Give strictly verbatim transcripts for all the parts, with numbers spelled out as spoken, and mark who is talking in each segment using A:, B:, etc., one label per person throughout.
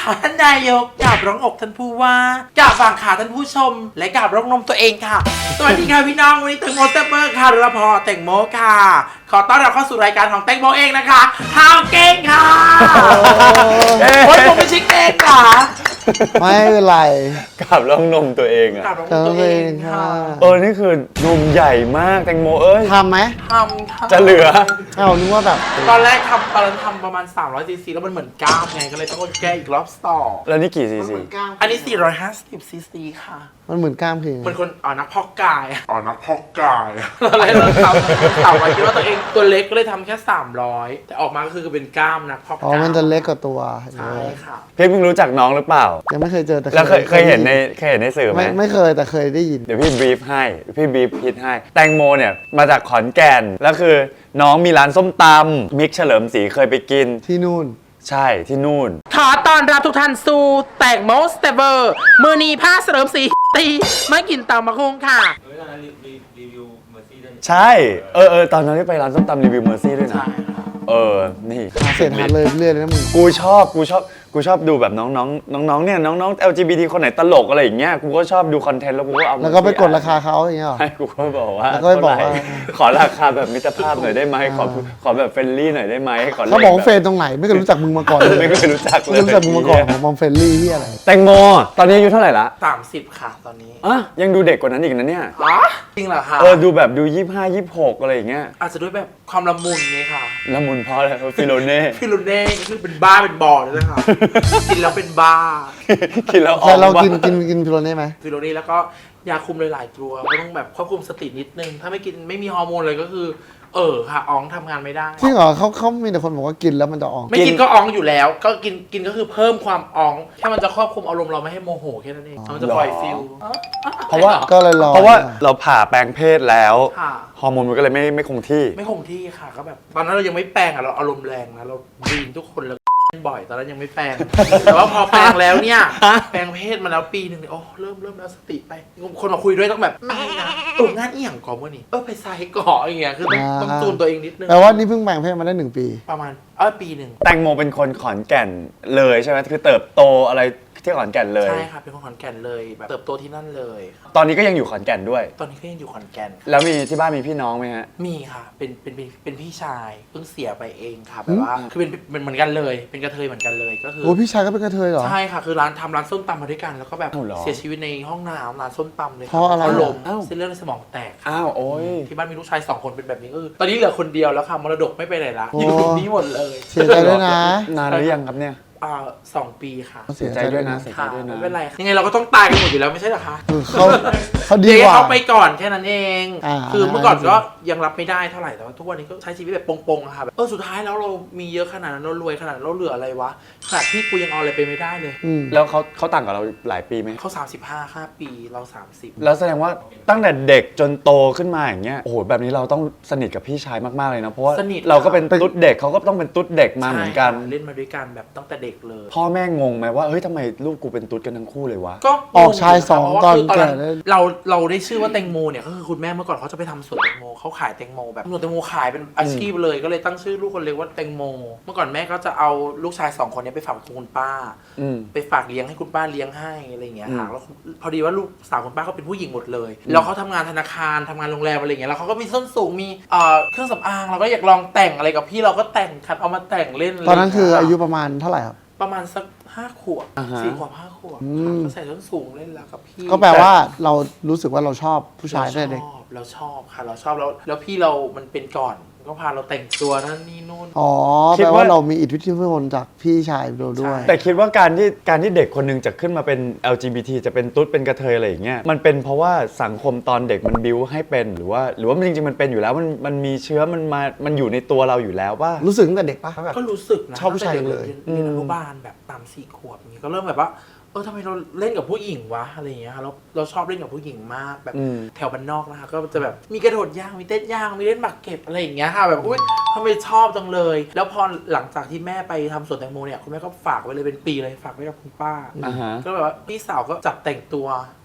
A: ค่ะท่านนายกกราบร้องอกท่านผู้ว่ากราบฝั่งขาท่านผู้ชมและกราบร้องนมตัวเองค่ะสวัสดีค่ะพี่น้องวันนี้แตงโมสเตเปอร์ค่ะรพแตงโมค่ะขอต้อนรับเข้าสู่รายการของแตงโมเองนะคะฮาวเก่งค่ะโอ้ยผมไม่ใช่เก่งค่ะ
B: ไม่เป็นไร
C: กับร้องนมตัวเองอะ
A: กราบร้องนมตัวเองค่ะ
C: เออนี่คือนมใหญ่มากแตงโมเอ้ย
B: ทำไหม
A: ทำค่ะ
C: จะเหลือ
B: เอ้านึกว่าแบบ
A: ตอนแรกทำตอนนั้นทำประมาณสามร้อยซีซีแล้วมันเหมือนก้าวไงก็เลยต้องแก้อีกรอบต่อ
C: แล้วนี่กี่ซีซี
A: อันนี้สี่ร้อยห้าสิบซีซีค่ะ
B: มันเหมือนกล้ามคือ
A: เหมือนคนอ๋อนักพอกกาย
D: อ๋อนักพอกกาย
A: อะไรเราทำถามว่าคิดว่าตัวเองตัวเล็กก็เลยทำแค่สามร้อยแต่ออกมาก็คือเป็นกล้ามนักพอกกาย
B: อ๋อมันจะเล็กกว่าตัว
A: ใช่ค่ะ
C: พี่เพิ่งรู้จักน้องหรือเปล่า
B: ยังไม่เคยเจอแต่
C: แล้วเคยเคยเห็นในเคยเห็นในสื่อไหม
B: ไม่ไม่เคยแต่เคยได้ยิน
C: เดี๋ยวพี่บรีฟให้พี่บรีฟพิดให้แตงโมเนี่ยมาจากขอนแก่นแล้วคือน้องมีร้านส้มตำมิกเฉลิมศรีเคยไปกิน
B: ที่นู่น
C: ใช่ที่นู่น
A: ขอต้อนรับทุกท่านสู่แตงโมสเตเวอร์มือนีผ้าเสริมสีตีไม่กินเตามะคุงค่ะ
C: ใช่เออเออตอนนั้นที่ไปร้านส้มตำรีวิวเมอร์ซี่ด้วยนะ
A: ใช่ค่ะ
C: เออนี่
B: เสร็จหาเลยเรื่อยเลยนะมึง
C: กูชอบกูชอบกูชอบดูแบบน้องๆน้องๆเนี่ยน้องๆ แอล จี บี ที คนไหนตลกอะไรอย่างเงี้ยกูก็ชอบดูคอนเทนต์แล้วกูก็เอามา
B: แล้วก็ไปกดราคาเขาอย่างเงี้ยหรอ
C: ให้กูก็บอกว่า
B: แล้วก็ไปบอกว่า
C: เท่าไหร่ขอราคาแบบมิตรภาพหน่อยได้ไหมขอขอแบบเฟรนลี่หน่อยได้ไหมขอ
B: เขาบอกว่าเฟรนตรงไหนไม่เคยรู้จักมึงมาก่อนเลย
C: ไม่เคยรู้จักเลย
B: ไม่รู้จักมึงมาก่อนมอมเฟรนลี่ที่อะไร
C: แตงโมตอนนี้อายุเท่าไหร่ละ
A: สามสิบค่ะตอนนี้
C: อ่ะยังดูเด็กกว่านั้นอีกนะเนี่ย
A: อ๋อจริงเหรอคะ
C: เออดูแบบดูยี่สิบห้า ยี่สิบหกอะไรอย่างเงี้ย
A: อาจจะด้วยแบบความละมุนไงค่ะ
C: ละมุนเพราะอะไรฟิโลเน่
A: พี่ลุนเน่ก็คือเป็นบ้าเป็นบอเลยนะคะ กินแล้วเป็นบ้า
C: กินแล้วออ
B: แต่
C: ก
B: เรา
C: บ้
B: กินกินกินพิโรเน่ไหม
A: ฟิโลนี่แล้วก็ยาคุมหลายๆตัวก็ต้องแบบควบคุมสตินิดนึง ถ้าไม่กินไม่มีฮอร์โมนเลยก็คือ เออค่ะอ๋องทำงานไม่ได้
B: จริงเหรอเขาเขามีแต่คนบอกว่ากินแล้วมันจะออก
A: ไม่กินก็อ๋องอยู่แล้ว ก็กินกินก็คือเพิ่มความอ๋องแค่มันจะควบคุมอารมณ์เราไม่ให้โมโหแค่นั้นเองมันจะปล่อยฟิล
C: เพราะว่า
B: ก็เลยรอ
C: เพราะว่าเราผ่าแปลงเพศแล้ว
A: ค่ะ
C: ฮอร์โมนมันก็เลยไม่ไม่คงที่
A: ไม่คงที่ค่ะก็แบบ ตอนนั้นเรายังไม่แปลงอ่ะเราอารมณ์แรงนะเราดีนทุกคนเลยบ่อยตอนนั้นยังไม่แปลง แต่ว่าพอแปลงแล้วเนี่ยแปลงเพศมาแล้วปีหนึ่งเนี่ยโอ้เริ่มเริ่มแล้วสติไปคนมาคุยด้วยต้องแบบไม่นะเอองานเอี่ยงก่อนมื่อนี้เออไปไซต์ก่อนอย่างเงี้ยคือต้องต้องจูนตัวเองนิดนึง
B: แปลว่านี่เพิ่งแบ่งเพศมาได้หนึ่งปี
A: ประมาณเออปีหนึ่ง
C: แตงโมเป็นคนขอนแก่นเลยใช่ไหมคือเติบโตอะไรที่ขอนแก่นเลย
A: ใช่ค่ะเป็นคนขอนแก่นเลยแบบเติบโตที่นั่นเลย
C: ตอนนี้ก็ยังอยู่ขอนแก่นด้วย
A: ตอนนี้ก็ยังอยู่ขอนแก่น
C: แล้วมีที่บ้านมีพี่น้องไหมฮะ
A: มีค่ะเป็นเป็นเป็นเป็นพี่ชายเพิ่งเสียไปเองค่ะแบบว่าคือเป็นเป็นเหมือนกันเลยเป็นกระเทยเหมือนกันเลยก็คือ
B: โอ้พี่ชายก็เป็นกระเทยเหรอ
A: ใช่ค่ะคือร้านทำร้านส้มตำมาด้วยกันแล้วก็แบบ
C: อ้าวเหรอ
A: เสียชีวิตในห้องน้ำร้านส้มตำเลยคบ
B: เพราะอะไร
A: เขาล้ม
C: อ้าว
A: เส้นเลือดในสมองแตก
C: อ้าวโอ้ย
A: ที่บ้านมีลูกชายสองคนเป็นแบบนี้ก็คือตอนนี้เหลือคนเดียวแล้วค่ะมรดกไม่ไปไหนละ
B: โอ้
A: อยู่นี่หมดเลย
B: เสียใจด้วยนะ
C: นานหรือยังครับเนี่ย
A: อ่าสองปีค่ะ
B: เสียใจด้วยนะ
C: เสียใจ
A: ค่ะ
C: ด้วยนะ
A: ไม่เป็นไรยังไงเราก็ต้องตายกันหมดอยู่แล้วไม่ใช่เหรอคะ
B: คือเขาเขาดี
A: เดี๋ยว
B: กว่า
A: เขาไปก่อนแค่นั้นเอง
B: อ่า
A: คือเมื่อก่อนก็ยังรับไม่ได้เท่าไหร่แต่ว่าทุกวันนี้ก็ใช้ชีวิตแบบปงๆอะค่ะแบบเออสุดท้ายแล้วเรามีเยอะขนาดนั้นเรารวยขนาดนั้นเราเหลืออะไรวะขนาดพี่กูยังเอาอะไรไปไม่ได้เลย
B: อืม
C: แล้วเขาเขาต่างกับเราหลายปีไหม
A: เขาสามสิบห้าห้าปีเราสามสิบ
C: แล้วแสดงว่าตั้งแต่เด็กจนโตขึ้นมาอย่างเงี้ยโอ้โหแบบนี้เราต้องสนิทกับพี่ชายมากๆเลยนะเพราะว่า
A: สนิท
C: เราก็เป็นตุ๊ดเด็กเขาก็ต้องเป็นตุ๊ดเด็กมาเหมือนกัน
A: ใช่ค่ะเล่นมาด้วยกันแบบตั้งแต่เด็กเลย
C: พ่อแม่งงไหมว่าเฮ้ยทำไมลูกกูเป็นตุ๊ดกันทั้งคู่เลยวะ
A: ก็
B: ออกชายสอง
A: เพราะว่า
B: ตอน
A: คือตอนนั้น
B: แก่เลย
A: เราเราได้ชื่อว่าแตงโมเนี่ยก็คือคุณแม่เมื่อก่อนเขาจะไปทำสวนแตงโมเขาขายแตงโมแบบสวนแตงโมขายเป็นอาชีพเลยก็เลยตั้งชื่อลูกคนเล็กว่าแตงโม เมื่อก่อนแม่ก็จะเอาลูกชายสองคนเนี้ไปฝากคุณป้า
C: อืม
A: ไปฝากเลี้ยงให้คุณป้าเลี้ยงให้อะไรอย่างเงี้ยค่ะ
C: อืม
A: แล้วพอดีว่าลูกสาวคุณป้าเขาเป็นผู้หญิงหมดเลยแล้วเขาทำงานธนาคารทำงานโรงแรมอะไรอย่างเงี้ยแล้วเขาก็มีส้นสูงมีเอ่อเครื่องสำอางเราก็อยากลองแต่งอะไรกับพี่เราก็แต่งคัดเอามาแต่งเล่น
B: ตอนนั้นคืออายุ
A: ะไร
B: ประมาณเท่าไหร่ครับ
A: ประมาณสักห้าขวบ
C: อ่าฮะ
A: สี่ขวบห้าขวบ
B: อืม
A: ก็ใส่ส้นสูงเล่นแล้วกับพี่
B: ก็แปลว่าเรารู้สึกว่าเราชอบผู้ชาย
A: เรา
B: ตั้งแต่เด็ก
A: ชอบเราชอบค่ะเราชอบแล้วแล้วพี่เรามันเป็นก่อนก็พาเราแต่งตัวนั่นนี่นู่น
B: อ๋อ
C: คิด
B: แปล
C: ว่า
B: ว่าเรามีอิทธิพลจากพี่ชายเราด้วย
A: ใช่
C: แต่คิดว่าการที่การที่เด็กคนหนึงจะขึ้นมาเป็น แอล จี บี ที จะเป็นตุ๊ดเป็นกระเทยอะไรอย่างเงี้ยมันเป็นเพราะว่าสังคมตอนเด็กมันบิ้วให้เป็นหรือว่า หรือว่ามันจริงๆมันเป็นอยู่แล้วมันมันมีเชื้อมันมามันอยู่ในตัวเราอยู่แล้วว่า
B: รู้สึกตั้งแต่เด็กปะแบบ
A: ก็รู้สึกนะ
B: ชอบผู้ชาย
A: ตั้งแต่
B: เลย
A: ด็กเรียนเรียนอนุบาลแบบตามสี่ขวบอย่างงี้ก็เริ่มแบบว่าเออทำไมเราเล่นกับผู้หญิงวะอะไรอย่างเงี้ยค่ะเราเราชอบเล่นกับผู้หญิงมากแบบ
C: อืม
A: แถวบ้านนอกนะคะก็จะแบบมีกระโดดยางมีเต้นยางมีเล่นหมากเก็บอะไรอย่างเงี้ยค่ะแบบอุ้ยทำไมชอบจังเลย แล้วพอหลังจากที่แม่ไปทำสวนแตงโมเนี่ยคุณแม่ก็ฝากไว้เลยเป็นปีเลยฝากไว้กับคุณป้า
C: อ่าฮะ
A: ก็แบบว่าพี่สาวก็จับแต่งตัว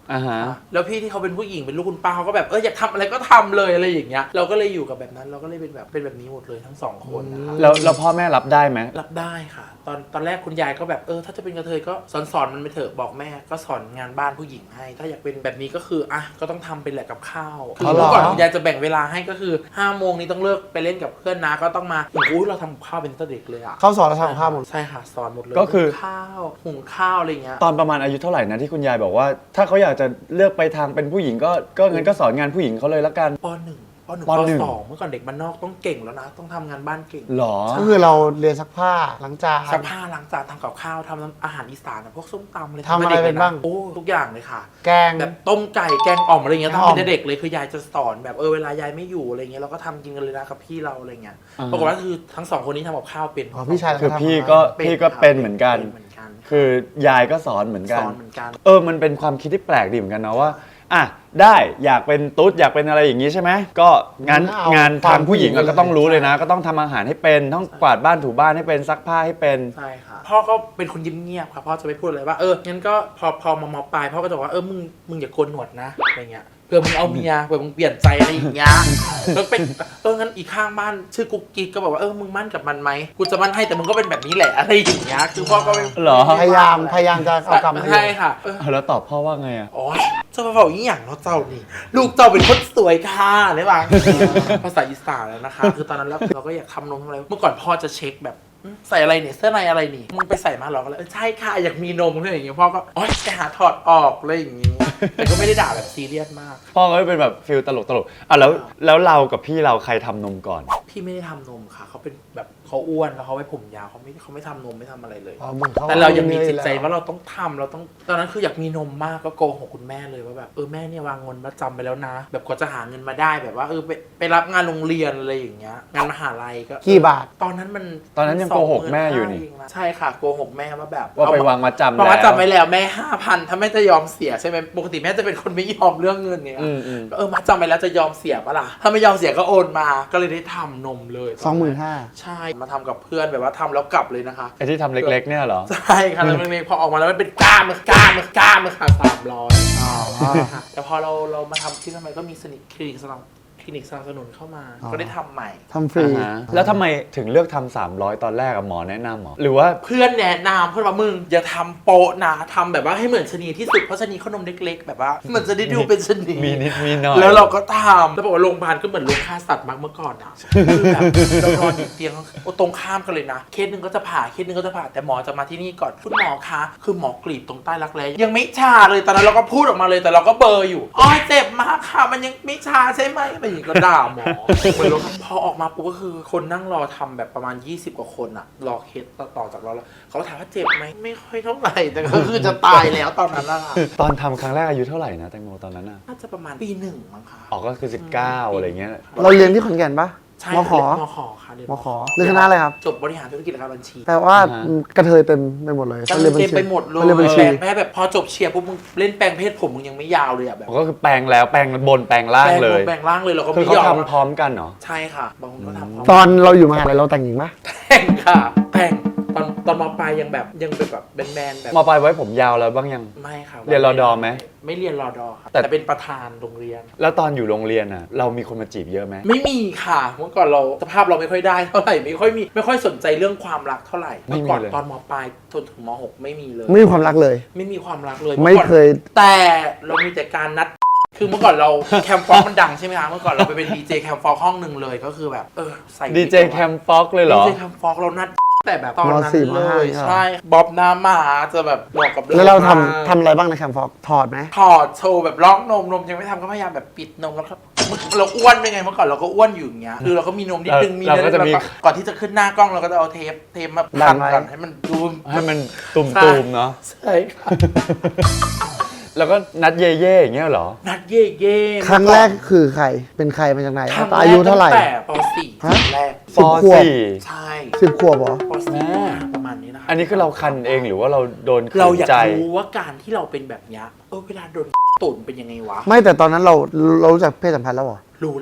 C: อ่าฮะ
A: แล้วพี่ที่เขาเป็นผู้หญิงเป็นลูกคุณป้าเขาก็แบบเอออยากทำอะไรก็ทำเลยอะไรอย่างเงี้ยเราก็เลยอยู่กับแบบนั้นเราก็เลยเป็นแบบเป็นแบบนี้หมดเลยทั้งสองคนนะคะ
C: แล้วแล้วพ่อแม่รับได้ไหม
A: รับได้ค่ะ ตอนตอนแรกคุณยายก็แบบเออถ้าจะเป็นกระเทยก็สอนสอนมันไปเถอะบอกแม่ก็สอนงานบ้านผู้หญิงให้ ถ้าอยากเป็นแบบนี้ก็คืออ่ะก็ต้องทำเป็นแหละกับข้าวคือ
B: เอาเหรอ
A: เมื่อก่อนคุณยายจะแบ่งเวลาให้ก็คือห้าโมงนี้ต้องเลิกไปเล่นกับเพื่อนนะก็ต้องมาโอ้โหเราทำกับข้าวเป็นตั้งแต่เด็กเลยอ่ะ
B: เขาสอนเราทำกับข้าวหมด
A: ใช่ค่ะสอนหมดเลย
C: ก็คือ
A: หุงข้าวหุงข้าวอะไรเงี้ย
C: ตอนประมาณอายุเท่าไหร่นะที่คุณยายบอกว่า ถ้าเขาอยากจะเลือกไปทางเป็นผู้หญิงก็ก็งั้นก็สอนงานผู้หญิงเขาเลยละกัน
A: ปหนึ่งปหนึ่ง
C: ป
A: ป
C: หนึ่ง
A: สองเมื่อก่อนเด็กบ้านนอกต้องเก่งแล้วนะ ต้องทำงานบ้านเก่ง
C: หรอ
B: ก็คือเราเรียนซักผ้าล้างจาน
A: ซักผ้าล้างจานทำกับข้าวทำอาหารอีสานอะพวกส้มตำอะไร
B: ทำอะไรเป็นบ้าง
A: โอ้ทุกอย่างเลยค่ะ
B: แกง
A: แบบต้มไก่แกงอ่อมอะไรเงี้ย
B: แกง
A: ทำ
B: อ่อม
A: เป็นเด็กเลยคือยายจะสอนแบบเออเวลายายไม่อยู่อะไรเงี้ยเราก็ทำกินกันเลยนะกับพี่เราอะไรเงี้ย
C: อ่า
A: ปรากฏว่าคือทั้งสองคนนี้ทำกับข้าวเป็น
B: อ๋อพี่ชาย
C: คือ
B: เราทำ
C: พี่ก็
A: เป็น
C: พี่ก็เป็นเหมือนกัน
A: เป็นเหมือนกัน
C: คือยายก็สอนเหมือนกั
A: ส
C: น
A: อนเหมือนกัน
C: เออ มันเป็นความคิดที่แปลกดีเหมือนกันนะว่า อ่ะ ได้อยากเป็นตุ๊ดอยากเป็นอะไรอย่างนี้ใช่ไหม ก็งั้น
B: เอา
C: งานทางผู้หญิง
B: ความผู้หญิง
C: อะก็ต้องรู้เลยนะ ก็ต้องทำอาหารให้เป็น ต้องกวาดบ้านถูบ้านให้เป็น ซักผ้าให้เป็น
A: ใช่ค่ะพ่อก็เป็นคนเงียบๆค่ะพ่อจะไม่พูดอะไรว่าเอองั้นก็พอพอมามอปลายพ่อก็จะบอกว่าเออมึงมึงอย่าโกนหนวดนะอะไรเงี้ยเผื่อมึงเอาเมียเผื่อมึงเปลี่ยนใจอะไรอย่างเงี้ยแล้วเป็นเอองั้นอีกข้างบ้านชื่อกุ๊กกิ๊กก็บอกว่าเออมึงมั่นกับมันไหมกูจะมั่นให้แต่มึงก็เป็นแบบนี้แหละอะไรอย่างเงี้ยคือพ่อก็ไม่
C: เหรอ
B: พยายามพยายามจะเอากลับมา
A: ใช่ค่ะเออ
C: เอาแล้วตอบพ่อว่าไงอะ
A: อ๋อเจ้าพ่อบอกยิ่งอย่างเนาะเจ้านี่ลูกเจ้าเป็นคนสวยค่ะได้ปะภาษาอีสานแล้วนะคะ คือตอนนั้นเราเราก็อยากทำนมทำอะไรเมื่อก่อนพ่อจะเช็คแบบอืมใส่อะไรเนี่ยเสื้อในอะไรนี่มึงไปใส่มาเหรอก็เลยเออใช่ค่ะอยากมีนมอะไรอย่างเงี้ยพ่อก็อ๋อไปหาถอดออกอะไรอย่างเงี้ยแต่ก็ไม่ได้ด่าแบบซีเรียสมาก
C: พ่อก็เป็นแบบฟิลตลกตลกอ่ะแล้วแล้วเรากับพี่เราใครทำนมก่อน
A: พี่ไม่ได้ทำนมค่ะเขาเป็นแบบเขาอ้วนแล้วเขาไว้ผมยาวเขาไม่เขาไม่ทำนมไม่ทำอะไรเลย
B: อ๋อเหมือนเขา
A: แต่เรายังมี
B: อ
A: จิตใจ
B: แล้ว
A: ว่าเราต้องทำเราต้องตอนนั้นคืออยากมีนมมากก็โกหกคุณแม่เลยว่าแบบเออแม่เนี่ยวางเงินมาจำไปแล้วนะ แบบกว่าจะหาเงินมาได้แบบว่าเออไปไปรับงานโรงเรียนอะไรอย่างเงี้ยงานมหาลัยก็
B: กี่บาท
A: ตอนนั้นมัน
C: ตอนนั้นยังโกหกแม่อยู่นี่
A: สงหมื่ห้าเงะใช่ค่ะโกหกแม่ว่าแบบ
C: ว่าไป
A: เอ
C: วางมาจำ
A: วาง
C: แล้
A: มาว จำไว้แล้วแม่ห้าพันถ้าแม่จะยอมเสียใช่ไหมปกติแม่จะเป็นคนไม่ยอมเรื่องเงินเนี่ย
C: อืมอืม
A: เออมาจำไปแล้วจะยอมเสียปะล่ะถ้าไม่ยอมเสียก็โอนมาก็เลยได้ทำนมเลย
B: สองหมื่นห้า
A: ใช่มาทำกับเพื่อนแบบว่าทำแล้วกลับเลยนะคะ
C: ไอ้ที่ทำเล็กๆเนี่ยเหรอ
A: ใช่ค่ะแล้วเล็กๆพอออกมาแล้วมันเป็นกล้ามมันกล้ามมันกล้ามมันค่ะสามร้อย
B: อ๋อ
A: แต่พอเราเรามาทำที่ทำไมก็มีสนิทคลินิกสนับคลินิกสนับสนุนเข้ามา
B: อ๋อ
A: ก็ได้ทำใหม่
B: ทำฟรี
C: อ่าฮะแล้วทำไมถึงเลือกทำสามร้อยตอนแรกอะหมอแนะนำเหรอหรือว่า
A: เพื่อนแนะนำเพื่อนว่ามึงอย่าทำโปะนะทำแบบว่าให้เหมือนชะนีที่สุดเพราะชะนีเขานมเล็กๆแบบว่าเหมือนจะได้ดูเป็นชะนี
C: มีนิดมีหน่อย
A: แล้วเราก็ทำแล้วบอกว่าโรงพยาบาลก็เหมือนโรงฆ่าสัตว์มากเมื่อก่อนอะคือแบบเรานอนอยู่เตียงโอ้ตรงข้ามกันเลยนะเคสหนึ่งก็จะผ่าเคสหนึ่งก็จะผ่าแต่หมอจะมาที่นี่ก่อนคุณหมอคะคือหมอกรีดตรงใต้รักแร้ยังไม่ชาเลยตอนนั้นเราก็พูดออกมาเลยแต่เราก็เบลอร์อยู่อ๋อเจ็บมากค่ะมันยังไม่ชาใช่ไหมอะไรอย่างงี้ก็ด่าหมอ เหมือนเราพอออกมาปุ๊บก็คือคนนั่งรอทำแบบประมาณยี่สิบกว่าคนอะรอเคสต่อจากเราแล้วเขาก็ถามว่าเจ็บไหมไม่ค่อยเท่าไหร่แต่ก็คือจะตายแล้วตอนนั้นอะ
C: ตอนทำครั้งแรกอายุเท่าไหร่นะแตงโมตอนนั้นอะ
A: น่าจะประมาณปีหนึ่งมั้งคะ
C: ออกก็คือสิบเก้าอะไรเงี้ย
B: เราเรียนที่ขอนแก่นปะ
A: ใช่
B: มขอ
A: มขอค่ะเรียน
B: มขอเรียนคณะอะไรครับ
A: จบบริหารธุรกิจและการบัญชี
B: แปลว่ากระเทยเต็มไปหมดเลย
A: ก็
B: เขาเรียนบัญ
A: เต็ม
B: ชี
A: ไปหมดเลย
B: เขาเรียนบัญชี
A: แม่แบบพอจบเชียร์ปุ๊บมึงเล่นแปลงเพศผมมึงยังไม่ยาวเลยอะแบบ
C: ก็คือแปลงแล้วแปลงบนแปลงล่างเลย
A: แปลงร่างเลยเราก็
C: คือ
A: ไม่
C: เขา
A: ยอม
C: ทำพร้อมกันเหรอ
A: ใช่ค่ะบางคนก็ทำพร้อม
B: ตอนเราอยู่มหาลัยเราแต่งหญิงปะ
A: แต่งค่ะแต่งตอนตอนมปลายยังแบบยังเป็นแบบแมนๆแบบ
C: มาปลายไว้ผมยาวแล้วบ้างยัง
A: ไม่ค่ะ
C: เรียนรอดอไหม
A: ไม่เรียนรอดอครับ
C: แต่
A: แต่เป็นประธานโรงเรียน
C: แล้วตอนอยู่โรงเรียนอะเรามีคนมาจีบเยอะไหม
A: ไม่มีค่ะเมื่อก่อนเราสภาพเราไม่ค่อยได้เท่าไหร่ไม่ค่อยมีไม่ค่อยสนใจเรื่องความรักเท่าไหร่เมื่อก่อนตอนมปลายจนถึงมหกไม่มีเลย
B: ไม่มีความรักเลย
A: ไม่มีความรักเลย
B: ไม่
A: อก่อน
B: เคย
A: แต่เรามีแต่การนัด คือเมื่อก่อนเราแคมฟอกมันดังใช่ไหมคะเมื่อก่อนเราไปเป็นดีเจแคมฟอกห้องหนึ่งเลยก็คือแบบเออใส่
C: ดีเจแคมฟ็อกเลยเหร
A: ดี
C: อ
A: เจแคมฟอกเรานัดแต่แบบตอนนั้น
B: มสี่
A: เล
B: มห้าย
A: ใช่บ๊อบน้ำหมาจะแบบบอกกับ
B: แล้วเราทำ
A: มก
B: ทำอะไรบ้างในแคมป์ฟอกถอดไหม
A: ถอดโชว์แบบล็อกนมนมยังไม่ทำก็พยายามแบบปิดนมแล้วก็เราอ้วนไปไงเมื่อก่อนเราก็อ้วนอยู่อย่างเงี้ยคือเราก็มีนมนิดนึงมี
C: เราก็จะมี
A: แล้วก่อนที่จะขึ้นหน้ากล้องเราก็จะเอาเทปเทปมา
B: ดั
A: พั
B: น
A: น
B: ไว้
A: กันให้มันดู
C: ให้มันตุ่มๆเนาะ
A: ใช่ค่ะ
C: แล้วก็นัดเย่ๆอย่างเงี้ยเหรอ
A: นัดเย่เย่
B: ครั้งแรกคือใครเป็นใครมาจากไหน
A: ครั้ง
B: อายุเท่าไหร่
A: ตั้งแต่ป สี่
B: ฮะ
A: แรก
C: ป
B: สิบขวบ
C: สี่
A: ใช่
B: สิบขวบเหรอ
A: ป สี่ประมาณนี้นะคะ
C: อันนี้คือเราคันเองหรือว่าเราโดนขื
A: เรา
C: น
A: อยาก
C: ใจ
A: รู้ว่าการที่เราเป็นแบบเนี้ยเออเวลาโดนตุ่นเป็นยังไงวะ
B: ไม่แต่ตอนนั้นเราเรารู้จักเพศสัมพันธ์แล้วเหรอ
A: รู้แล้ว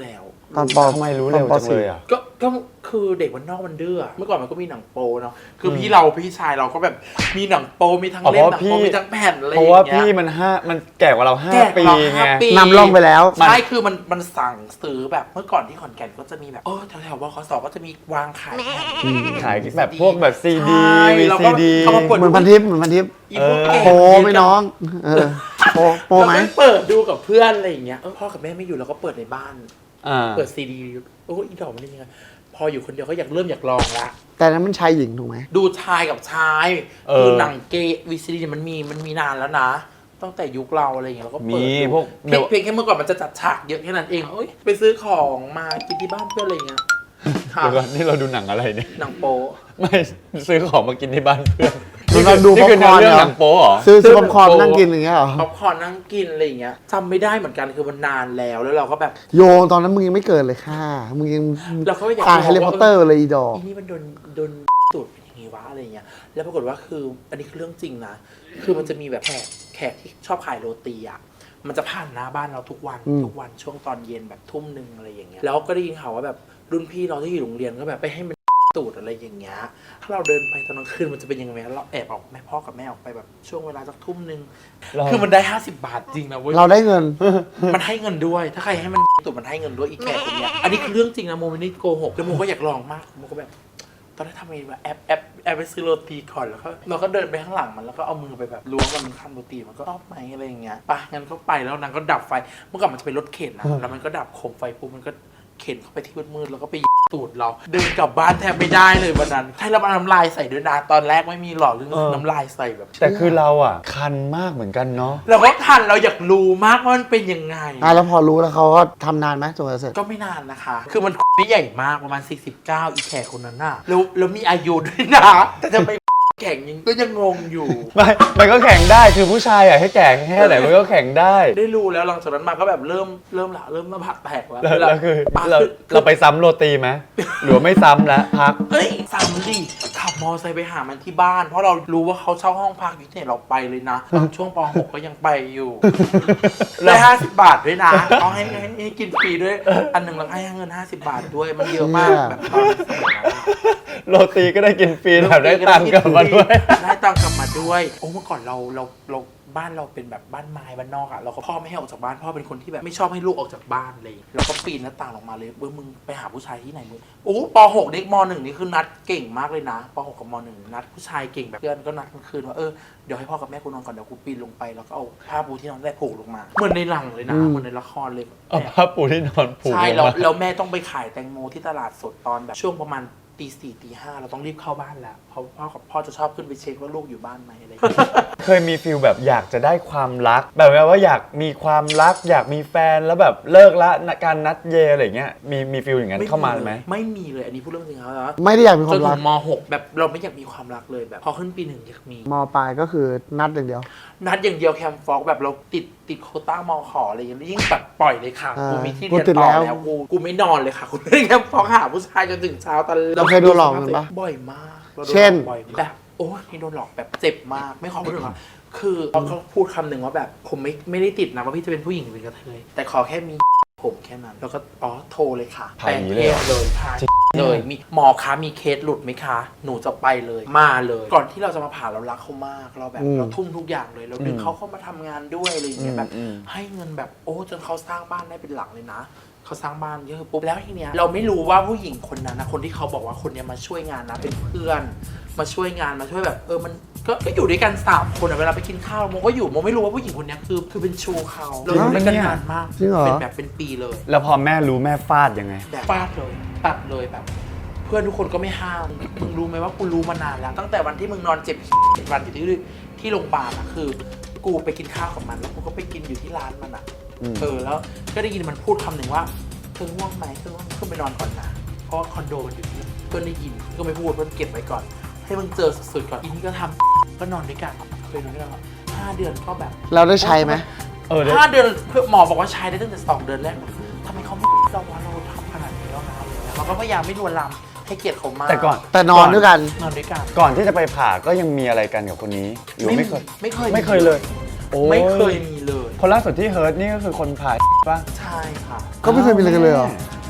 B: ตอนปอ
C: ทำไมรู้เร็ว
B: ตอนป
C: จังเลยอ่ะ
A: ก็ก็คือเด็กมันนอกมันดื้อเมื่อก่อนมันก็มีหนังโปเนาะคือพี่เราพี่ชายเราก็แบบมีหนังโปมีทั้ง
C: อ๋อ
A: เล่มหนัง
C: เพราะพี่
A: โปมีทั้งแผ่นอะไรอ
C: เพ
A: ย่าง
C: ราะว่า
A: เงี้
C: พี่
A: ย
C: มันห้ามันแก่กว่าเราห้า
A: แก่
C: ปี
A: กว่า
C: ไง
A: ห้าปี
B: นำร่องไปแล้ว
A: ใช่คือมันมันสั่งซื้อแบบเมื่อก่อนที่ขอนแก่นก็จะมีแบบเออแถวๆวคสก็จะมีวางขายแผ่น
C: ขายแบบพวกแบบซีดี
A: ใช่
C: วี
A: แล้ว
C: ซี
A: ก็
C: ดี
A: เอามาเปิด
B: เหมือนพันทิปเหมือนพันทิป
A: อีพวก
C: เออ
A: เก่ง
B: โปไหม่น้อง เออโปโปไหม
A: แล้วก็เปิดดูกับเพื่อนอะไรอย่างเงี้ยเออพ่อกับแม่ไม่อยู่เราก็เปิดในบ้าน
C: อ่า
A: เปิดซีดีโอ้อีดอกมันเป็นยังไงพออยู่คนเดียวก็อยากเริ่มอยากลองละ
B: แต่นั้นมันชายหญิงถูกไหม
A: ดูชายกับชาย
C: เออ
A: คือหนังเกย์วีซีดีมันมีมันมีนานแล้วนะตั้งแต่ยุคเราอะไรอย่างเงี้ยเราก็เปิด
C: มี
A: ดู
C: พวก
A: เพียงเพียงแค่เมื่อก่อนมันจะจัดฉากเยอะแค่นั้นเองเอ้ยไปซื้อของมากินที่บ้านเพื่อนอะไรอย่างเงี้ยค่ะ
C: เดี๋ยวก่อนนี่เราดูหนังอะไรเนี่ย
A: หนังโป๊
C: ไม่ซื้อของมากินที่บ้านเพื่อน
B: มันเราดู
C: นี่คือ
B: ป๊อปคอร์น
C: เรื่อง
B: เหรอ
C: หนังโป๊เหรอ
B: ซื้อซื้อป๊อปคอร์นนั่งกินอย่างเงี้ยเหรอ
A: ป๊อปคอร์นนั่งกินอะไรอย่างเงี้ยจำไม่ได้เหมือนกันคือมันนานแล้วแล้วเราก็แบบ
B: โยตอนนั้นมึงยังไม่เกิดเลยค่ะมึงยัง
A: เราก็อยาก
B: ถ่ายแฮร์รี่พอตเตอร์เลยอีดอก
A: อีนี่มันโดนโดนตูดเป็นอย่างงี้วะอะไรอย่างเงี้ยแล้วปรากฏว่าคืออันนี้คือเรื่องจริงนะคือมันจะมีแบบแขกแขกที่ชอบขายโรตีอ่ะมันจะผ่านหน้าบ้านเราทุกวัน
B: อืม
A: ทุกวันช่วงตอนเย็นแบบทุ่มหนึ่งอะไรอย่างเงี้ยแล้วก็ได้ยินข่าวว่าแบบรุ่นพี่เราที่อยู่โรงเรียนก็แบบไปให้มันตูดอะไรอย่างเงี้ยถ้าเราเดินไปตอนกลางคืนมันจะเป็นยังไงเราแอบออกแม่พ่อกับแม่ออกไปแบบช่วงเวลาสักทุ่มหนึ่ง
C: เรา
A: คือมันได้ห้าสิบบาทจริงนะเว้ย
B: เราได้เงิน
A: มันให้เงินด้วย ถ้าใครให้มันตูดมันให้เงินด้วยอีกแขกคนเนี้ยอันนี้คือเรื่องจริงนะโมไม่ได้โกหกแล้วโมก็อยากลองมากโมก็แบบตอนแรกทำไงวะแอปแอปแอปไปซื้อโรตีก่อนแล้วก็เราก็เดินไปข้างหลังมันแล้วก็เอามือไปแบบล้วงมันข้ามโรตีมันก็ชอบไหมอะไรอย่างเงี้ยไปงั้นก็ไปแล้วนางก็ดับไฟเมื่อก่อนมันจะเป็นรถเข็นนะแล้วมันก็ดับโคมไฟปุ๊บมันก็เข็นเข้าไปที่มืดๆแล้วก็ไปตูดเราเดินกลับบ้านแทบไม่ได้เลยวันนั้นให้เราเอาน้ำลายใส่ด้วยนะตอนแรกไม่มีหลอดเรื่อง
C: เออ
A: น้ำลายใส่แบบ
C: แต่คือเราอ่ะ คันมากเหมือนกันเนาะ
A: เราก็ทันเราอยากรู้มากว่ามันเป็นยังไง
B: อ่ะแล้วพอรู้แล้วเขาก็ทำนานไหมจนกว่าจะเสร็จ
A: ก็ไม่นานนะคะ คือมันไม่ใหญ่มากประมาณสี่สิบเก้าอีแขกคนนั้นน่ะแล้วแล้วมีอายุด้วยนะ แต่จะไปแข่งยังก็ยังงงอยู่
C: ไม่มันก็แข่งได้คือผู้ชายอ่ะให้แก่แค่ไหนมันก็แข่งได้
A: ได้รู้แล้วหลังจากนั้นมาก็แบบเริ่มเริ่มละเริ่มมาผักแตกแล้ว
C: แล้วแล้วคือ
A: อ่ะ
C: เรา
A: คือ
C: เราไปซ้ำโรตีไหมหรือว่าไม่ซ้ำแล้วพัก
A: เอ้ยสามดิขับมอไซค์ไปหามันที่บ้าน เพราะเรารู้ว่าเขาเช่าห้องพักอยู่ที่ไหนเราไปเลยนะตอนช่วงป .หก ก็ยังไปอยู่ ได้ห้าสิบบาทด้วยนะเขาให้ให้ให้กินฟรีด้วย อันหนึ่งเราให้เงินห้าสิบบาทด้วยมันเยอะมากแบบตอนสมัยนั้นอะ
C: โรตีก็ได้กินฟรีแถมได้ตังค์กลับมาด้วย
A: ได้ตังค์กลับมาด้วย โอ้เมื่อก่อนเราเราเราบ้านเราเป็นแบบบ้านไม้บ้านนอกอะเราก็พ่อไม่ให้ออกจากบ้านพ่อเป็นคนที่แบบไม่ชอบให้ลูกออกจากบ้านเลยเราก็ปีนหน้าต่างออกมาเลยเออมึงไปหาผู้ชายที่ไหนมึงโอ้ป .หก เด็กม .หนึ่ง นี่คือนัดเก่งมากเลยนะป .หก กับม .หนึ่ง นัดผู้ชายเก่งแบบเพื่อนก็นัดกลางคืนว่าเออเดี๋ยวให้พ่อกับแม่กูนอนก่อนเดี๋ยวกูปีนลงไปแล้วก็เอาผ้าปูที่นอนได้ผูกลงมาเหมือนในหนังเลยนะ
B: อืม
A: เหมือนในละครเลย
C: เอาผ้าปูที่นอนผูก
A: ใช่
C: ล
A: แล้ว
C: งมา
A: แล้วแม่ต้องไปขายแตงโมที่ตลาดสดตอนแบบช่วงประมาณตีสี่ตีห้าเราต้องรีบเข้าบ้านแล้วเพราะพ่อกับพ่อจะชอบขึ้นไปเช็คว่าลูกอยู่บ้านไหมอะไรอย่างเงี้ย
C: เคยมีฟิลแบบอยากจะได้ความรัก แบบว่าอยากมีความรัก อยากมีแฟนแล้วแบบเลิกละการนัดเยอะไรเงี้ยมีมีฟิลอย่างนั้นเข้ามาไหม
A: ไม่มีเลยอันนี้พูดเรื่องจริงครับ
B: ไม่ได้อยากมีค
A: จ
B: วาน ม
A: ถึ
B: รัก
A: งม .หก แบบเราไม่อยากมีความรักเลยแบบพอขึ้นปีหนึ่งอยากมี
B: มปลายก็คือนัดอย่างเดียว
A: นัดอย่างเดียวแคมฟอกแบบเราติดติดโควต้ามขออะไรอย่างเงี้ยยิ่งแบบปล่อยเลยค่ะ
B: อ่า
A: กูมีที่
B: กู
A: เรียน
B: ติด
A: ต่อ
B: แล้ว
A: แล้วกูกูไม่นอนเลยค่ะกูเล่นแคมฟอกหาผู้ชายจนถึงเช้าตอน
B: เราเคยโดนหลอกกันปะ
A: บ่อยมากราโดน
B: เช่น
A: หลอกบ่อยมากแบบโอ้ยนี่โดนหลอกแบบเจ็บมากไม่ขอพูดถึงอ่ะคือเขาก็พูดคำหนึ่งว่าแบบผมไม่ไม่ได้ติดนะว่าพี่จะเป็นผู้หญิงหรือเป็นกระเทยแต่ขอแค่มีผมแค่นั้นแล้วก็อ๋อโทรเลยค่ะ
C: ถ่ายอย่างนี้เลยเหรอ
A: เลยพาเลยมีหมอคะมีเคสหลุดไหมคะ หนูจะไปเลยมาเลย ก่อนที่เราจะมาผ่าเรารักเขามากเราแบบ
B: อืม
A: เราทุ่มทุกอย่างเลยเราดึงเขาเข้ามาทำงานด้วยอะไรอย่างเงี้ยแบบ
C: อืม
A: ให้เงินแบบโอ้จนเขาสร้างบ้านได้เป็นหลักเลยนะเขาสร้างบ้านเยอะปุ๊บแล้วทีเนี้ยเราไม่รู้ว่าผู้หญิงคนนั้นนะคนที่เขาบอกว่าคนเนี้ยมาช่วยงานนะเป็นเพื่อน มาช่วยงานมาช่วยแบบเออมันก็ก็อยู่ด้วยกันสามคนอะเวลาไปกินข้าวโมก็อยู่โมไม่รู้ว่าผู้หญิงคนเนี้ยคือคือเป็นชูเขาเราอยู่ด้วยกันนานมาก
B: จริงเหรอ
A: เป็นแบบเป็นปีเลย
C: แล้วพอแม่รู้แม่ฟาดยังไง
A: แบบฟาดเลยตัดเลยแบบ เพื่อนทุกคนก็ไม่ห้ามมึงรู้ไหมว่ากูรู้มานานแล้ว ตั้งแต่วันที่มึงนอนเจ็บเจ็ดวันอยู่ที่ที่โรงพยาบาลอะคือ กูไปกินข้าวกับมันแล้วกูก็ไปกินอยู่ที่ร้านมันอะ
C: อืม
A: เออแล้วก็ได้ยินมันพูดคำหนึ่งว่าเธอง่วงไหมเธอง่วงขึ้นไปนอนก่อนนะเพราะว่าคอนโดมันอยู่ที่เพื่อนได้ยินก็ไม่พูดเพื่อนเก็บไว้ก่อน ให้มึงเจอสุดๆก่อนอีนี่ก็ทำก็นอนด้วยกันเคยนอนด้วยกันห้าเดือนก็แบบ
B: เราได้ใช้ไหม
C: เออเดี๋ยว
A: ห้าเดือนเพื่อหมอบอกว่าใช้ได้ตั้งแต่สองเดือนแรกทำไมเขาไม่เราว่าเราทำขนาดนี้แล้วนะอะไรเงี้ยเราก็พยายามไม่ลวนลามให้เกียรติเขามาก
C: แต่ก่อน
B: แต่นอนด้วยกัน
A: นอนด้วยกัน
C: ก่อนที่จะไปผ่าก็ยังมีอะไรกันกับคนนี้หรือไม่เคย
A: ไม่เคย
C: ไม่เคยเลยโอ้ย
A: ไม่เคยมีเลย
C: คนล่าสุดที่เฮิร์ตนี่ก็คือคนผ่าป่ะ
A: ใช่ค่ะ
B: ก็ไม่เคยมีอะไรกันเลยเหรอ
C: แ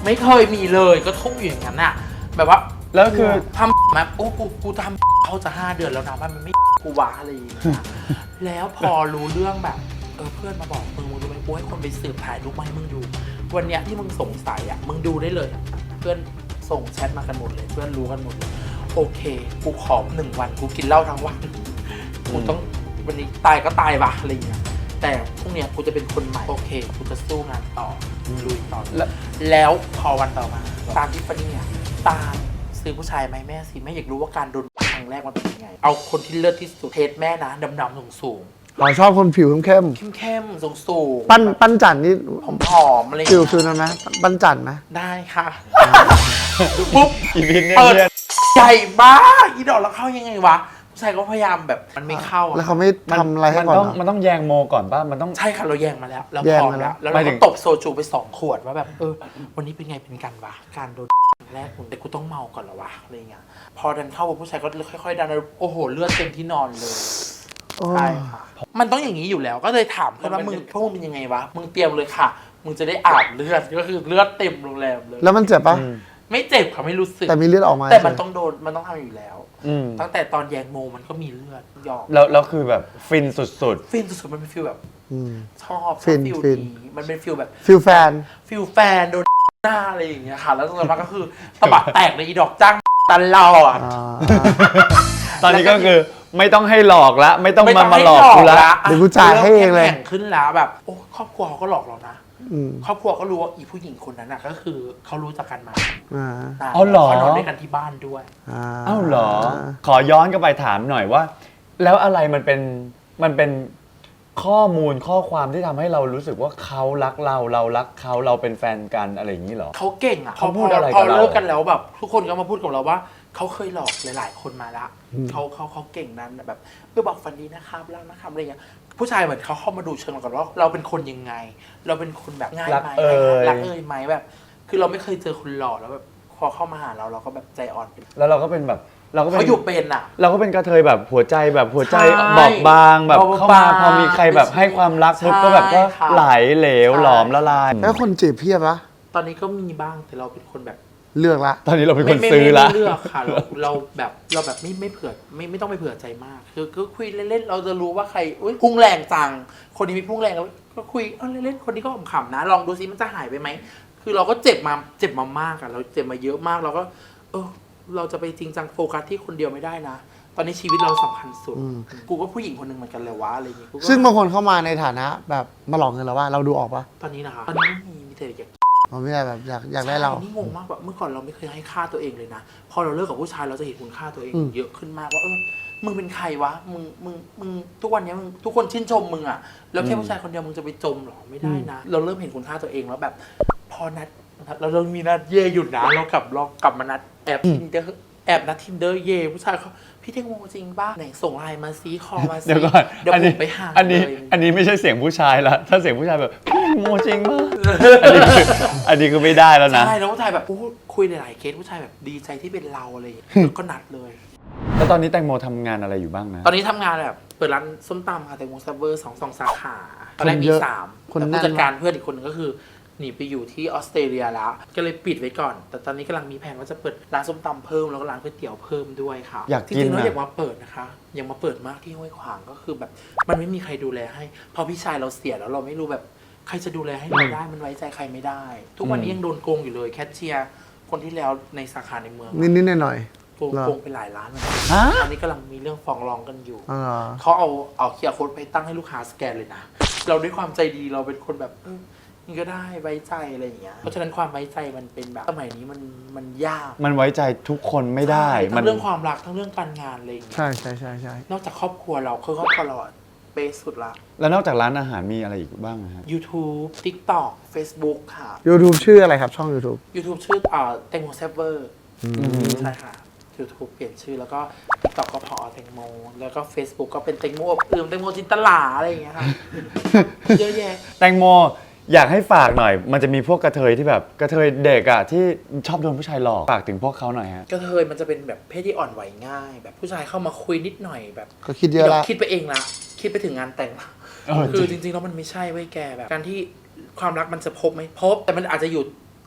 A: ไม่เคยมีเลยก็ทุ่งอยู่อย่างนั้นอะแบบว่า
C: แล้วคือ
A: ทำแบบโอ้กูกูทำเขาจะห้าเดือนแล้วนะมันไม่กูวะอะไรอย่างเงี้ยแล้วพอรู้เรื่องแบบเออเพื่อนมาบอกมึงมึงรู้ไหมกูให้คนไปสืบถ่ายรูปมาให้มึงดู วันเนี้ยที่มึงสงสัยอะมึงดูได้เลยอะเพื่อนส่งแชทมากันหมดเลยเพื่อนรู้กันหมดเลยโอเคกูขอหนึ่งวันกูกินเหล้าทั้งวันกูต้องวันนี้ตายก็ตายว่ะอะไรอย่างเงี้ยแต่พรุ่งเนี้ยกูจะเป็นคนใหม่โอเคกูจะสู้งานต่อลุยต่อ
C: แล้ว
A: แล้วพอวันต่อมาตามที่ฟานี่เนี่ยตามซื้อผู้ชายไหมแม่สิแม่อยากรู้ว่าการโดนครั้งแรกมันเป็นยังไง เอาคนที่เลิศที่สุดเทสแม่นะดำๆสูงสูง
B: เราชอบคนผิวเข้ม
A: เข้มเข้มสูงสูง
B: ๆปั้นปั้นจันนี่
A: ผอมผอมๆอะไรอย่าง
B: ฟิล
A: เงี้ย
B: ฟิลนั้นไหมปั้นจันไหม
A: ได้ค่ะปุ๊บ
C: อีพินเนี่ย
A: เปิด
C: เนี่ย
A: ใหญ่มากอีดอกแล้วเข้ายังไงวะผู้ชายก็พยายามแบบมันไม่เข้าอะ
B: แล้วเขาไม่ทำอะไรให้
C: มัน
B: ก่อน
C: ต้อง
B: เหรอ
C: มันต้องแยงโมก่อนป่ะมันต้อง
A: ใช่ค่ะเราแย่งมาแล้วเรา
B: แย่
A: พ
B: ง
A: ร้อม
B: มาแล้
A: แล้ว
B: ว
A: แล้ว
C: หมา
A: เรา
C: ยถึ
A: ก็
C: ง
A: ตบโซจูไปสองขวดว่าแบบเออวันนี้เป็นไงเป็นกันวะการโดนแรกแต่กูต้องเมาก่อนเหรอวะอะไรเงี้ยพอดันเข้ากับผู้ชายก็ค่อยๆดันแล้วโอ้โหเลือดเต็มที่นอนเลย
B: โอ้
A: ใช่ค่ะ มันต้องอย่างนี้อยู่แล้ว ก็เลยถามเพื่อนว่ามึงพวกมึงเป็นยังไงวะ มึงเตรียมเลยค่ะ มึงจะได้อาบเลือด ก็คือเลือดเต็มโรงแรมเลย
B: แล้วมันเจ็บปะ
C: อืม
A: ไม่เจ็บค่ะไม่รู้สึก
B: แต่มีเลือดออกมา
A: แต่มันต้องโดน มันต้องทำอยู่แล้ว
C: อืม
A: ตั้งแต่ตอนแยงโมมันก็มีเลือดหยอก
C: แล้วแล้วคือแบบฟินสุด
A: ฟิลสุดๆมันเป็นฟิลแบบ
B: อืม
A: ชอบช
B: ฟิ
A: อบ
B: น
A: ฟิล
B: ฟิน
A: นี้มันเป็นฟิลแบบ
B: ฟิลแฟน
A: ฟิลแฟนโดนหน้าอะไรอย่างเงี้ยค่ะ แล้วตอนนั้นก็คือตะบัดแตกเลยอีดอกจ้างตลอด
B: อ่า
C: ๆ ตอนนี้ก็คือไม่ต้องให้หลอกละไม่ต้อง
A: ไม่
C: มา
A: ต้อง
C: มา
A: ให้
C: หลอกกูละ
B: เดี๋ยวกูจ่ายให้เองเลย
A: แข่งขึ้นแล้วแบบโอ้ครอบครัวเขาก็หลอกเรานะ
B: อืม
A: ครอบครัวก็รู้ว่าอีผู้หญิงคนนั้นน่ะก็คือเขารู้จักกันมา
B: อ่า
A: นาน
C: อ๋อเหรอ
A: เขานอนด้วยกันที่บ้านด้วย
B: อ่า
C: อ้าวเหรอ ขอย้อนกลับไปถามหน่อยว่า แล้วอะไรมันเป็นมันเป็นข้อมูลข้อความที่ทำให้เรารู้สึกว่าเขารักเราเรารักเขาเราเป็นแฟนกันอะไรอย่างนี้เหรอ
A: เขาเก่งอ่ะ
C: เขาพูดอะไรกับ
A: พอ
C: เรา
A: เลิกกันแล้วแบบ ทุกคนก็มาพูดกับเราว่าเขาเคยหลอกหลาย ๆ คนมาละเขาเขาเขาเก่งนั้นแบบเพื่อบอกฟันดีนะครับแล้วนะครับอะไรเงี้ยผู้ชายเหมือนเขาเข้ามาดูเชิงเราก่อนว่าเราเป็นคนยังไง เราเป็นคนแบบง่าย
C: รัก
A: ไหม
C: เอ่ย
A: รักเอ่ยไหมแบบ คือเราไม่เคยเจอคนหล่อแล้วแบบพอเข้ามาหาเราเราก็แบบใจอ่อนไป
C: แล้วเราก็เป็นแบบเราก็เป็น
A: เขาอยู่เป็นอ่ะ
C: เราก็เป็นกระเทยแบบหัวใจแบบหัวใจ
A: ใช่
C: บอบบางแบบ
A: บอบบาง
C: เข้ามาพอมีใครแบบให้ความรักปุ๊บ
A: ใช่
C: ก็แบบก็
A: ค่ะ
C: ไหลเหลว
A: ใช่
C: หลอมละลาย
B: แล้วคนจีบเพียบปะ
A: ตอนนี้ก็มีบ้างแต่เราเป็นคนแบบ
B: เลือกละ
C: ตอนนี้เราเป็นคน
A: ไม่
C: ซื้อ
A: ไม่
C: ละ
A: ไม่เลือกค่ะเราเราแบบเราแบบไม่ไม่เผื่อไม่ไม่ต้องไปเผื่อใจมาก คือก็คุยเล่นๆเราจะรู้ว่าใครอุ้ยพุ่งแรงจังคนนี้มีพุ่งแรงแล้วก็คุยเออเล่นๆคนนี้ก็ขำๆนะ ลองดูซิมันจะหายไปไหมคือเราก็เจ็บมาเจ็บมามากอะเราเจ็บมาเยอะมากเราก็ เออเราจะไปจริงจังโฟกัสที่คนเดียวไม่ได้นะ ตอนนี้ชีวิตเราสำคัญสุด
B: อืม
A: กูก็ผู้หญิงคนหนึ่งเหมือนกันเลยวะอะไรอย่างเงี้ยกูก็
B: ซึ่งบางคนเข้ามาในฐานะ แบบมาหลอกเงินเราว่าเราดูออกปะ
A: ตอนนี้นะคะตอนนี้ไม่มีมีแต่อยาก
B: เราไม่ได้แบบอยากอยากได้เรา
A: ใช่นี่งงมากแบบเมื่อก่อนเราไม่เคยให้ค่าตัวเองเลยนะ พอเราเลิกกับผู้ชายเราจะเห็นคุณค่าตัวเอง
B: อืม
A: เยอะขึ้นมากว่าเออมึงเป็นใครวะมึงมึงมึงทุกวันนี้มึงทุกคนชื่นชมมึงอะแล้วแค่ผู้ชายคนเดียวมึงจะไปจมเหรอไม่ได้นะ เราเริ่มเห็นคุณค่าตัวเองแล้วแบบ พอนัดเราเรามีนัดเย่หยุดนะเรากลับเรากลับมานัดแอบทินเดอร์แอบนัดทินเดอร์เย่ผู้ชายเขาพี่เทงโมจริงป่ะไหนส่งไลน์มาซีคอมาซี
C: เดี๋ยวก่อน
A: เดี๋ยว
C: อัน
A: ผ
C: นี้
A: มไปหา
C: อันนี้
A: เลย
C: อันนี้ไม่ใช่เสียงผู้ชายละถ้าเสียงผู้ชายแบบพี่โมจริงมากอันนี้คืออันนี้คือไม่ได้แล้วนะ
A: ใช่แล้วผู้ชายแบบโอ้คุยหลายๆเคสผู้ชายแบบดีใจที่เป็นเราอะไรอย่างเงี้ยแล้วก็นัดเลย
C: แล้วตอนนี้แตงโมทำงานอะไรอยู่บ้างนะ
A: ตอนนี้ทำงานแบบเปิดร้านส้มตำค่ะแต่วงซับเวอร์สองสองสาขาตอนแรก
B: คน
A: มี
B: เยอะ
A: สาม
B: คน
A: แต่
B: แน่น
A: ผู้จัดการเพื่อนอีกคนนึงก็คือหนีไปอยู่ที่ออสเตรเลียแล้ว ก็เลยปิดไว้ก่อน แต่ตอนนี้กำลังมีแผนว่าจะเปิดร้านส้มตำเพิ่มแล้วก็ร้านก๋วยเตี๋ยวเพิ่มด้วยค่ะ
C: อยาก
A: จ
C: กิน
A: ริงๆแล้ว
C: อะ
A: อยากมาเปิดนะคะอยากมาเปิดมากที่ห้วยขวางก็คือแบบ มันไม่มีใครดูแลให้พอพี่ชายเราเสียแล้วเราไม่รู้แบบใครจะดูแลให้เราได้มันไว้ใจใครไม่ได้ ทุกวันนี้ยังโดนโกงอยู่เลยแคชเชียร์คนที่แล้วในสาขาในเมือง
B: นิดๆหน่อย
A: โกง
B: เหรอ
A: โกงไปหลายล้านเหมือนกัน
C: ฮะ
A: ตอนนี้กำลังมีเรื่องฟ้องร้องกันอยู่
B: ๆอ๋อเหรอ
A: เขาเอาเอาเคียร์โค้ดไปตั้งให้ลูกค้าสแกนเลยนะ เราด้วยความใจดีเราเป็นคนแบบเออนี่ก็ได้ไว้ใจอะไรอย่างเงี้ย เพราะฉะนั้นความไว้ใจมันเป็นแบบสมัยนี้มันมันยาก
C: มันไว้ใจทุกคนไม่ได้
A: ใช่
C: มั
A: ทั้งเรื่องความรักทั้งเรื่องการงานอะไรอย่างเงี้ย
B: ใช่ใช่ใช่ใช่
A: นอกจากครอบครัวเราคือครอบครัวเราอะเบสสุดละ
C: แล้วนอกจากร้านอาหารมีอะไรอีกบ้างนะฮะ
A: YouTube TikTok Facebook ค่ะ
B: YouTube ชื่ออะไรครับช่อง YouTube
A: YouTube ชื่ออ่าแตงโมเซฟเวอร์
B: อืม
A: ใช่ค่ะ YouTube เปลี่ยนชื่อแล้วก็ TikTok ก็พอแตงโมแล้วก็ Facebook ก็เป็นแตงโมอบอื่นแตงโมจินตลาอะไรอย่างเงี้ยค่ะ เยอะแยะ
C: แตงโมอยากให้ฝากหน่อย มันจะมีพวกกระเทยที่แบบกระเทยเด็กอะที่ชอบโดนผู้ชายหลอกฝากถึงพวกเขาหน่อยฮะ
A: กระเทยมันจะเป็นแบบเพศที่อ่อนไหวง่าย แบบผู้ชายเข้ามาคุยนิดหน่อยแบบ
B: ก็คิดเยอะละ
A: คิดไปเองละคิดไปถึงงานแต่งละ
C: เออ
A: คือจริงๆแล้วมันไม่ใช่เว้ยแกแบบ การที่ความรักมันจะพบไหมพบ แต่มันอาจจะอยู่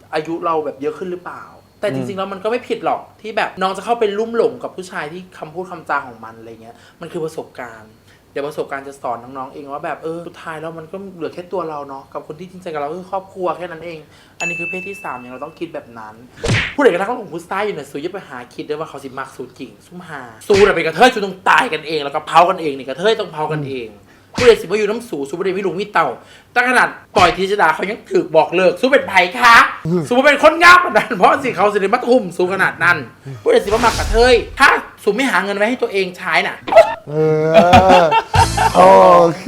A: อายุเราแบบเยอะขึ้นหรือเปล่า แต่จริงๆแล้วมันก็ไม่ผิดหรอกที่แบบน้องจะเข้าไปลุ่มหลงกับผู้ชายที่คำพูดคำจาของมันอะไรเงี้ยมันคือประสบการณ์เดี๋ยวประสบการณ์จะสอนน้องๆเองว่าแบบเออสุดท้ายแล้วมันก็เหลือแค่ตัวเราเนาะกับคนที่จริงใจกับเราคือครอบครัวแค่นั้นเองอันนี้คือเพศที่สามอย่างเราต้องคิดแบบนั้นผู้ใดกระทั่งของผู้ชายอยู่เนี่ยสูอย่าไปหาคิดได้ว่าเขาสิมักสูจริงซุ่มหาสูน่ะเป็นกระเทยสูต้องตายกันเองแล้วก็เผากันเองนี่กระเทยต้องเผากันเองผู้ใดสิว่าอยู่น้ำสูสูผู้ใดไม่ลุงไม่เต่าตั้งขนาดปล่อยทีจดาเขายังถือบอกเลิกสูเป็นไผ่คะสูเป็นคนงับขนาดนั้นเพราะสิเขาสิได้มาทุ่มสูขนาดนั้นผู้ใดสิว่ามักกระเทยถ้าสูไม่หาเงินไว้ให้ตัวเองใช้น่ะ
B: เออโอเค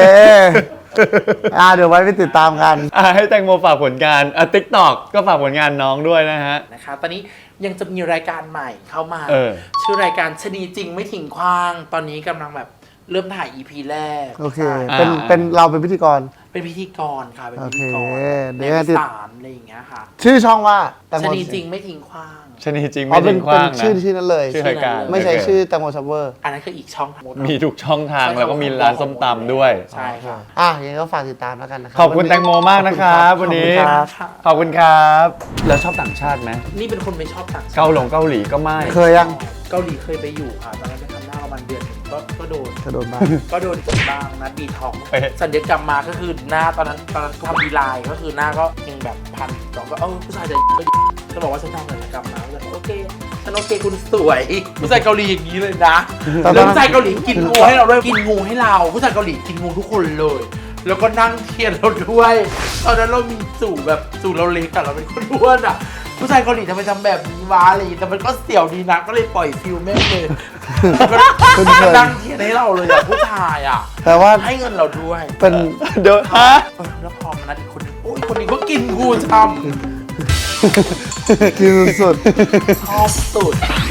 B: อ่าเดี๋ยวไว้ไปติดตามกัน
C: อ่ะให้แตงโมฝากผลงานอ่ะ TikTok ก็ฝากผลงานน้องด้วยนะฮะ
A: นะคะตอนนี้ยังจะมีรายการใหม่เข้ามา
C: เออ
A: ชื่อรายการชะนีจริงไม่ทิ้งขว้างตอนนี้กำลังแบบเริ่มถ่าย อี พี แรก
B: โอเคเป็นเป็นเราเป็นพิธีกร
A: เป็นพิธีกรค่ะเป็นพิธีกร
B: โอเคเดี๋
A: ใน
B: ยวติด
A: สารอะไรอย่างเงี้ยค่ะ
B: ชื่อช่องว่าแตงโม
A: ชะนีจริงไม่ทิ้งขว้าง
C: ชนีจริง
B: อ๋อ
C: ไม่
B: เป็
C: ทิ้
B: น
C: งข
B: เป็น
C: ว้างนะ
B: ชื่อชื่อนั้นเลย
C: ชื่อรายการ
B: ไม่ใช่ชื่อแตงโมซับเวอร์
A: อันนั้นคืออีกช่องทาง
C: มีทุกช่องทางแล้วก็มีร้านส้มตำด้วย
A: ใช่ค่ะ
B: อ่ะยังไงก็ฝากติดตามแล้วกันนะครั
C: ขอบคุณแตงโมมากนะครับวันนี้
B: ขอบคุณครับ
C: ขอบคุณครับ แล้วชอบต่างชาติไหม
A: นี่เป็นคนไม่ชอบต่างชาติ
C: เกาหลงเกาหลีก็ไม่
B: เคยยัง
A: เกาหลีเคยไปอยู่ค่ะตอนนั้นไปทำหน้าประมาณเดือนหนึ่งก็ก็โดน
B: กระโดดบ้าง
A: ก็โดนบ้างนะบีทองสัญญกรรมมาก็คือหน้าตอนนั้นตอนนั้นทำดีไลน์ก็คือหน้าก็ยังแบบพันสองก็เออผู้ชายจะก็บอกว่าฉันทำศัลยกรรมมาก็เลยโอเคฉันโอเคคุณสวยผู้ชายเกาหลีอย่างนี้เลยนะแล้วผู้ชายเกาหลีกินงูให้เราด้วยกินงูให้เราผู้ชายเกาหลีกินงูทุกคนเลย แล้วก็นั่งเทียนเราด้วยตอนนั้นเรามีจู่แบบจู่เราเล็กอะเราเป็นคนอ้วนอะผู้ชายเกาหลีทำไมทำแบบนี้วะอะไรแต่มันก็เสี่ยวดีนะก็เลยปล่อยฟิลแม่งเลยก็นั่งเทียนให้เราเลยอะผู้ชายอะ
B: แต่ว่า
A: ให้เงินเราด้วย
B: เป็น
C: เดี๋ยวฮะ
A: เออแล้วพอมานัดอีกคนนึงโอ้ยคนนี้ก็กินงูช้ำ
B: กินสุด
A: ชอบสุด